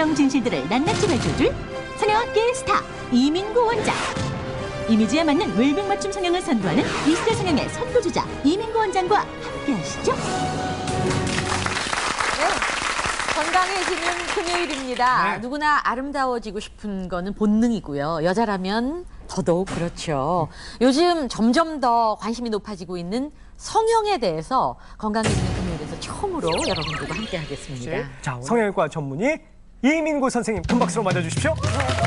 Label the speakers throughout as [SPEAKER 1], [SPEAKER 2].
[SPEAKER 1] 성형 진실들을 낱낱이 밝혀줄 성형학계의 스타 이민구 원장. 이미지에 맞는 웰빙 맞춤 성형을 선도하는 20대 성형의 선도주자 이민구 원장과 함께하시죠.
[SPEAKER 2] 건강해지는 금요일입니다.
[SPEAKER 3] 네.
[SPEAKER 2] 누구나 아름다워지고 싶은 거는 본능이고요. 여자라면 더더욱 그렇죠. 요즘 점점 더 관심이 높아지고 있는 성형에 대해서 건강해지는 금요일에서 처음으로 여러분들과 함께 하겠습니다.
[SPEAKER 3] 자, 성형외과 전문의 이민구 선생님 큰 박수로 맞아주십시오.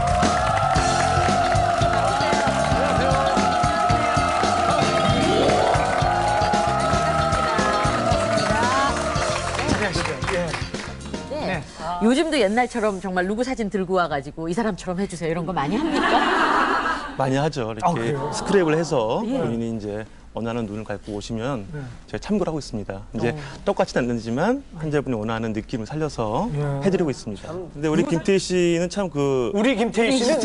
[SPEAKER 2] 네. 요즘도 옛날처럼 정말 누구 사진 들고 와가지고 이 사람처럼 해주세요 이런 거 많이 합니까?
[SPEAKER 4] 많이 하죠. 이렇게
[SPEAKER 3] 그래요?
[SPEAKER 4] 스크랩을 해서
[SPEAKER 2] 예.
[SPEAKER 4] 본인이 이제 원하는 눈을 갖고 오시면 제가 참고를 하고 있습니다. 이제 똑같지는 않지만 환자분이 원하는 느낌을 살려서 해드리고 있습니다. 근데 우리 김태희 씨는 참
[SPEAKER 3] 우리 김태희 씨는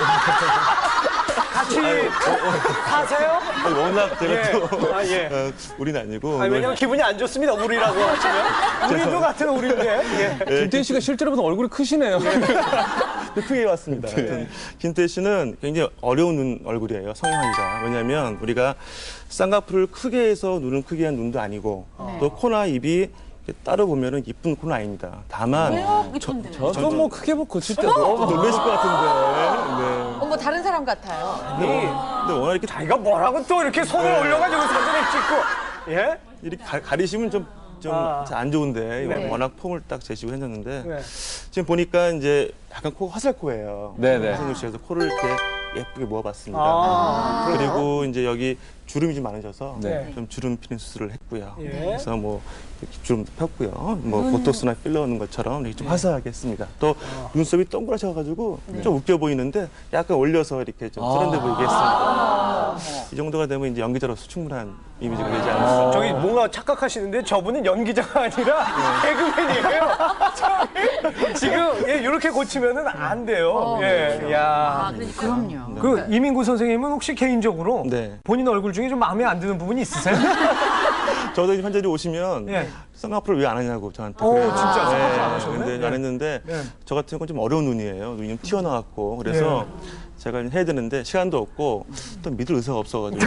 [SPEAKER 3] 같이 사세요?
[SPEAKER 4] 워낙 제가 또
[SPEAKER 3] 예.
[SPEAKER 4] 우리는 아니고
[SPEAKER 3] 왜냐면 기분이 안 좋습니다. 우리라고 하시면. 우리도 같은 우리인데. 예.
[SPEAKER 5] 김태희 씨가 실제로 보면 얼굴이 크시네요.
[SPEAKER 4] 크게 왔습니다. 하여튼 김태희 씨는 굉장히 어려운 얼굴이에요. 성형하기가. 왜냐하면 우리가 쌍꺼풀을 크게 해서 눈을 크게 한 눈도 아니고 또 코나 입이 따로 보면은 이쁜 코는 아닙니다. 다만
[SPEAKER 5] 저도 뭐 크게 못 고칠 때도.
[SPEAKER 4] 놀라실 것 같은데. 네.
[SPEAKER 2] 어머 다른 사람 같아요.
[SPEAKER 4] 근데 워낙 이렇게
[SPEAKER 3] 자기가 뭐라고 또 이렇게 손을 올려가지고 사진을 찍고. 예?
[SPEAKER 4] 이렇게 가리시면 좀 안 좋은데
[SPEAKER 2] 네.
[SPEAKER 4] 워낙 폼을 딱 제시고 했는데
[SPEAKER 3] 네.
[SPEAKER 4] 지금 보니까 이제 약간 코가 화살코예요.
[SPEAKER 5] 네네.
[SPEAKER 4] 선생님 씨에서 코를 이렇게 예쁘게 모아봤습니다. 그리고 이제 여기 주름이 좀 많으셔서
[SPEAKER 5] 네.
[SPEAKER 4] 좀 주름 피는 수술을 했고요.
[SPEAKER 3] 예.
[SPEAKER 4] 그래서 뭐 이렇게 주름도 폈고요. 뭐 보톡스나 필러 넣는 것처럼 이렇게 좀 화사하게 했습니다. 또 눈썹이 동그라셔가지고 좀 웃겨 보이는데 약간 올려서 이렇게 좀 세련돼 보이게 했습니다. 이 정도가 되면 이제 연기자로서 충분한 이미지가 되지 않을까.
[SPEAKER 3] 저기 뭔가 착각하시는데 저분은 연기자가 아니라 개그맨이에요. 저기 지금 이렇게 고치면은 안 돼요. 예. 야.
[SPEAKER 2] 그럼요.
[SPEAKER 3] 그 이민구 선생님은 혹시 개인적으로
[SPEAKER 4] 네.
[SPEAKER 3] 본인 얼굴 중에 좀 마음에 안 드는 부분이 있으세요?
[SPEAKER 4] 저도 이제 환자들이 오시면
[SPEAKER 3] 예.
[SPEAKER 4] 쌍꺼풀을 왜 안 하냐고 저한테.
[SPEAKER 3] 오,
[SPEAKER 4] 그래요.
[SPEAKER 3] 진짜 쌍꺼풀
[SPEAKER 4] 네,
[SPEAKER 3] 안 하셨네?
[SPEAKER 4] 근데 안 했는데
[SPEAKER 3] 네.
[SPEAKER 4] 저 같은 경우는 좀 어려운 눈이에요. 눈이 좀 튀어나왔고 그래서 제가 해야 되는데 시간도 없고 또 믿을 의사가 없어가지고.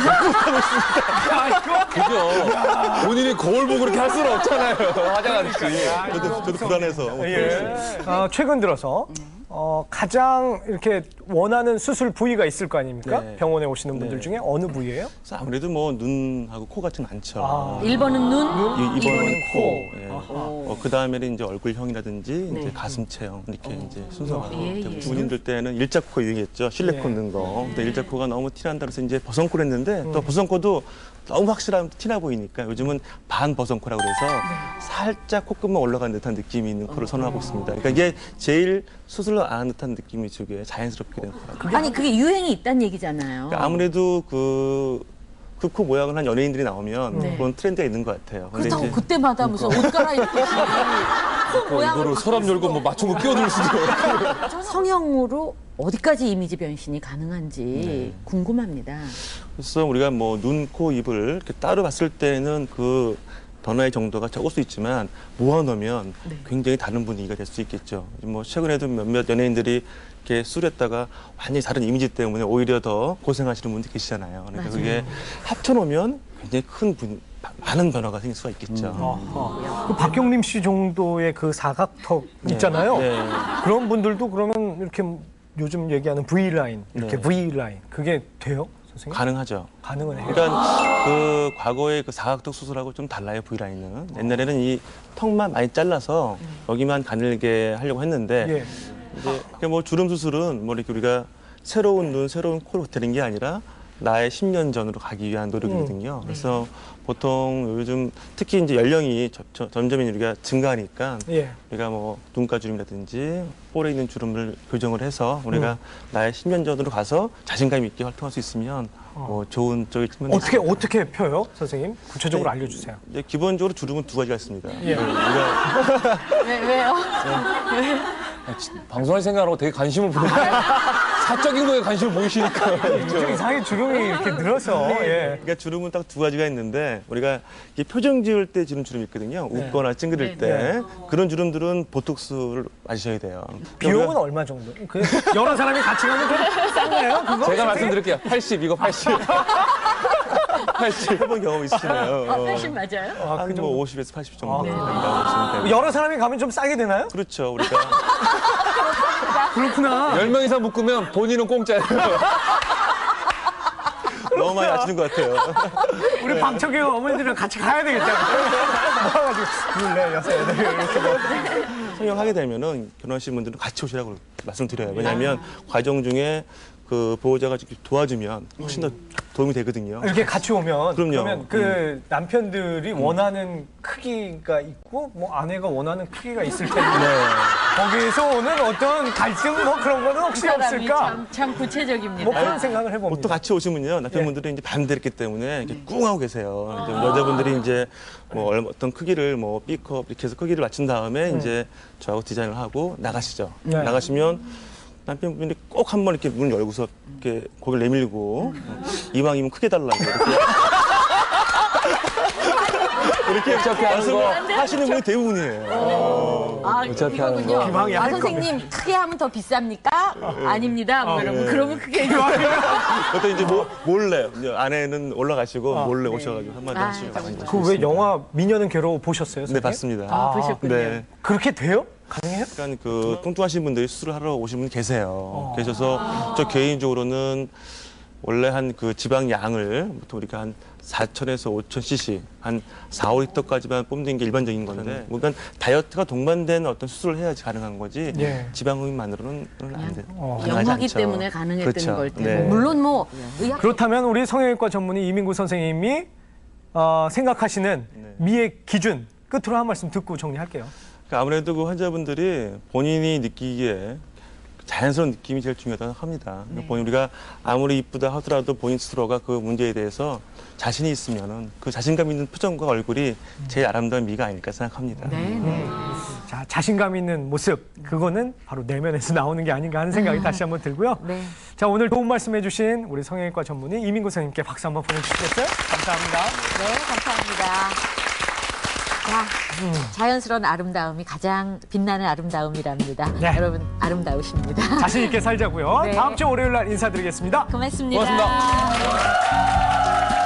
[SPEAKER 5] 그죠? 본인이 거울 보고 그렇게 할 수는 없잖아요. 화장하듯이.
[SPEAKER 4] 저도 불안해서.
[SPEAKER 3] 예. 최근 들어서 가장 이렇게 원하는 수술 부위가 있을 거 아닙니까?
[SPEAKER 4] 네.
[SPEAKER 3] 병원에 오시는 분들
[SPEAKER 4] 네.
[SPEAKER 3] 중에 어느 부위예요?
[SPEAKER 4] 그래서 아무래도 뭐 눈하고 코 같진 않죠.
[SPEAKER 2] 1번은 눈,
[SPEAKER 4] 2번은
[SPEAKER 2] 코.
[SPEAKER 4] 코. 예. 그 다음에는 이제 얼굴형이라든지 이제 가슴 체형 이렇게 이제 순서가 되고 군인들 때는 일자코 유행했죠. 실내코 넣는 거. 근데 일자코가 너무 티난다 그래서 이제 버선코를 했는데 또 버선코도 너무 확실하면 티나 보이니까 요즘은 반 버선코라고 그래서 살짝 콧끝만 올라간 듯한 느낌이 있는 코를 선호하고 있습니다. 그러니까 이게 제일 수술을 안 한 듯한 느낌이 주게 자연스럽게 된 코라고.
[SPEAKER 2] 아니 그게 유행이 있다는 얘기잖아요.
[SPEAKER 4] 그러니까 아무래도 그 코 모양을 한 연예인들이 나오면 그런 트렌드가 있는 것 같아요. 근데
[SPEAKER 2] 그렇다고
[SPEAKER 4] 이제
[SPEAKER 2] 그때마다 무슨 옷 갈아입듯이 코 모양을
[SPEAKER 5] 이거를 서랍 열고 뭐 맞춘 거 끼워들 수도 없고.
[SPEAKER 2] 성형으로 어디까지 이미지 변신이 가능한지 궁금합니다.
[SPEAKER 4] 그래서 우리가 뭐 눈, 코, 입을 이렇게 따로 봤을 때는 그 변화의 정도가 적을 수 있지만 모아놓으면 굉장히 다른 분위기가 될 수 있겠죠. 뭐 최근에도 몇몇 연예인들이 이렇게 술했다가 완전히 다른 이미지 때문에 오히려 더 고생하시는 분들 계시잖아요. 그러니까 그게 합쳐놓으면 굉장히 많은 변화가 생길 수가 있겠죠.
[SPEAKER 3] 그 박경림 씨 정도의 그 사각턱 있잖아요.
[SPEAKER 4] 네.
[SPEAKER 3] 그런 분들도 그러면 이렇게 요즘 얘기하는 V라인, 이렇게 V라인 그게 돼요? 선생님?
[SPEAKER 4] 가능하죠.
[SPEAKER 3] 가능은 해요.
[SPEAKER 4] 그러니까 그 과거의 그 사각턱 수술하고 좀 달라요, V라인은. 옛날에는 이 턱만 많이 잘라서 여기만 가늘게 하려고 했는데
[SPEAKER 3] 예.
[SPEAKER 4] 이제 뭐 주름 수술은 뭐 이렇게 우리가 새로운 눈, 새로운 코로 되는 게 아니라 나의 10년 전으로 가기 위한 노력이거든요. 그래서 보통 요즘 특히 이제 연령이 점점 우리가 증가하니까 우리가 뭐 눈가주름이라든지 볼에 있는 주름을 교정을 해서 우리가 나의 10년 전으로 가서 자신감 있게 활동할 수 있으면 뭐 좋은 쪽이 측면이
[SPEAKER 3] 어떻게 펴요, 선생님? 구체적으로 알려주세요.
[SPEAKER 4] 이제 기본적으로 주름은 두 가지가 있습니다.
[SPEAKER 3] 예.
[SPEAKER 2] 왜요?
[SPEAKER 5] 방송할 생각하고 되게 관심을 보이는 사적인 거에 관심을 보이시니까.
[SPEAKER 3] 좀 이상하게 주름이 이렇게 늘어서. 예.
[SPEAKER 4] 그러니까 주름은 딱 두 가지가 있는데 우리가 이게 표정 지을 때 지는 주름이 있거든요. 웃거나 찡그릴 때 그런 주름들은 보톡스를 맞으셔야 돼요.
[SPEAKER 3] 비용은 얼마 정도? 그 여러 사람이 같이 가면 좀 싼가요? 그거?
[SPEAKER 5] 제가 말씀드릴게요. 80, 이거 80. 80.
[SPEAKER 4] 해본 경험 있으시네요.
[SPEAKER 2] 80 맞아요?
[SPEAKER 4] 한 뭐 50에서 80 정도 된다고 보시면 되고.
[SPEAKER 3] 여러 사람이 가면 좀 싸게 되나요?
[SPEAKER 4] 그렇죠. 우리가
[SPEAKER 3] 그렇구나.
[SPEAKER 5] 10명 이상 묶으면 본인은 공짜예요.
[SPEAKER 4] 너무 많이 아시는 것 같아요.
[SPEAKER 3] 우리 방청객 어머니들이랑 같이 가야 되겠다. 모아가지고 둘, 넷, 여섯, 여덟 이렇게 뭐.
[SPEAKER 4] 성형하게 되면은 결혼하신 분들은 같이 오시라고 말씀드려요. 왜냐하면 과정 중에 그 보호자가 이렇게 도와주면 훨씬 더 도움이 되거든요.
[SPEAKER 3] 이렇게 같이 오면
[SPEAKER 4] 그럼요.
[SPEAKER 3] 그러면 그 남편들이 원하는 크기가 있고 뭐 아내가 원하는 크기가 있을 텐데 거기에서 오는 어떤 갈등 뭐 그런 거는 혹시
[SPEAKER 2] 사람이
[SPEAKER 3] 없을까?
[SPEAKER 2] 참 구체적입니다.
[SPEAKER 3] 뭐 그런 생각을 해봅니다.
[SPEAKER 4] 보통 같이 오시면요 남편분들이 이제 반대했기 때문에 이렇게 꿍 하고 계세요. 이제 여자분들이 이제 뭐 어떤 크기를 뭐 B컵 이렇게 해서 크기를 맞춘 다음에 이제 저하고 디자인을 하고 나가시죠.
[SPEAKER 3] 네.
[SPEAKER 4] 나가시면 남편분이 꼭 한 번 이렇게 문 열고서 이렇게 고개를 내밀고 이왕이면 크게 달라고 이렇게
[SPEAKER 5] 어차피 하는 거.
[SPEAKER 4] 하시는 분이 대부분이에요.
[SPEAKER 5] 어차피 하는
[SPEAKER 2] 이거군요.
[SPEAKER 5] 거.
[SPEAKER 3] 기왕이 할
[SPEAKER 2] 선생님 크게 하면 더 비쌉니까? 아닙니다. 뭐 이러면 그러면 크게
[SPEAKER 4] 그것도 이제 몰래 이제 아내는 올라가시고 몰래 오셔가지고 한마디 하시고
[SPEAKER 3] 그 왜 영화 미녀는 괴로워 보셨어요?
[SPEAKER 4] 네
[SPEAKER 3] 선생님?
[SPEAKER 4] 봤습니다.
[SPEAKER 2] 보셨군요.
[SPEAKER 4] 네.
[SPEAKER 3] 그렇게 돼요? 가능해요?
[SPEAKER 4] 약간 그 뚱뚱하신 분들이 수술을 하러 오신 분이 계세요. 계셔서 저 개인적으로는 원래 한 그 지방 양을 보통 우리가 한 4,000에서 5,000cc 한 4, 5리터까지만 뽑는 게 일반적인 건데 그러니까 다이어트가 동반된 어떤 수술을 해야지 가능한 거지
[SPEAKER 3] 예.
[SPEAKER 4] 지방 흡입만으로는 안 돼.
[SPEAKER 2] 영화기 때문에 가능했던
[SPEAKER 4] 그렇죠.
[SPEAKER 2] 걸 테고
[SPEAKER 4] 네.
[SPEAKER 2] 물론 뭐 의학
[SPEAKER 3] 그렇다면 우리 성형외과 전문의 이민구 선생님이 생각하시는 미의 기준 끝으로 한 말씀 듣고 정리할게요.
[SPEAKER 4] 그러니까 아무래도 그 환자분들이 본인이 느끼기에 자연스러운 느낌이 제일 중요하다고 합니다. 그러니까 본인 우리가 아무리 이쁘다 하더라도 본인 스스로가 그 문제에 대해서 자신이 있으면은 그 자신감 있는 표정과 얼굴이 제일 아름다운 미가 아닐까 생각합니다.
[SPEAKER 3] 자, 자신감 있는 모습, 그거는 바로 내면에서 나오는 게 아닌가 하는 생각이 다시 한번 들고요.
[SPEAKER 2] 네.
[SPEAKER 3] 자, 오늘 도움 말씀해주신 우리 성형외과 전문의 이민구 선생님께 박수 한번 보내주시겠어요? 감사합니다.
[SPEAKER 2] 네, 감사합니다. 자, 자연스러운 아름다움이 가장 빛나는 아름다움이랍니다.
[SPEAKER 3] 네.
[SPEAKER 2] 여러분 아름다우십니다.
[SPEAKER 3] 자신 있게 살자고요.
[SPEAKER 2] 네.
[SPEAKER 3] 다음 주 월요일 날 인사드리겠습니다.
[SPEAKER 2] 고맙습니다.
[SPEAKER 5] 고맙습니다.